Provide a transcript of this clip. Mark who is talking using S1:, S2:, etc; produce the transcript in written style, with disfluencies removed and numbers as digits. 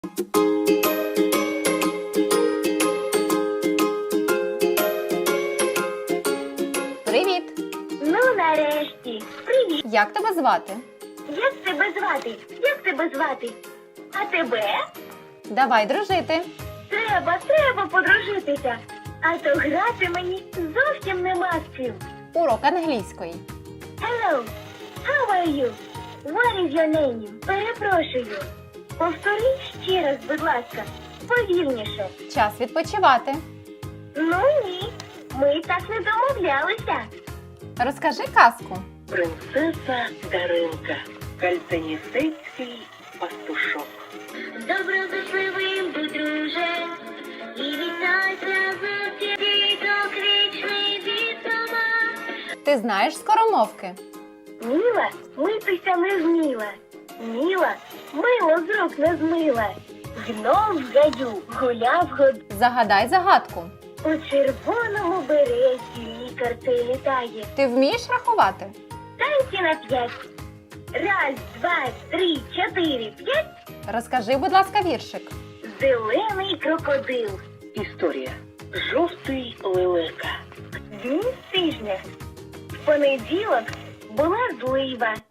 S1: Привіт!
S2: Ну, нарешті. Привіт.
S1: Як тебе звати?
S2: Як тебе звати? Як тебе звати? А тебе?
S1: Давай дружити.
S2: Треба подружитися. А то грати мені зовсім нема з чим.
S1: Урок англійської.
S2: Hello. How are you? What is your name? Перепрошую. Повтори ще раз, будь ласка. Повільніше.
S1: Час відпочивати.
S2: Ну ні. Ми так не домовлялися.
S1: Розкажи казку.
S3: Принцеса Даринка. Кальциністицький пастушок.
S2: Доброзичливим будь друже, і вітайся з діток вічний від дома.
S1: Ти знаєш скоромовки?
S2: Міла митися не зміла, міла мило з рук не змила. Гном в гаю гуляв
S1: Загадай загадку.
S2: у червоному береті лікар цей літає.
S1: Ти вмієш рахувати?
S2: Танці на 5. Раз, два, три, 4, 5.
S1: Розкажи, будь ласка, віршик.
S2: Зелений крокодил.
S3: Історія. Жовтий лелека.
S2: Дні тижня. В понеділок була злива.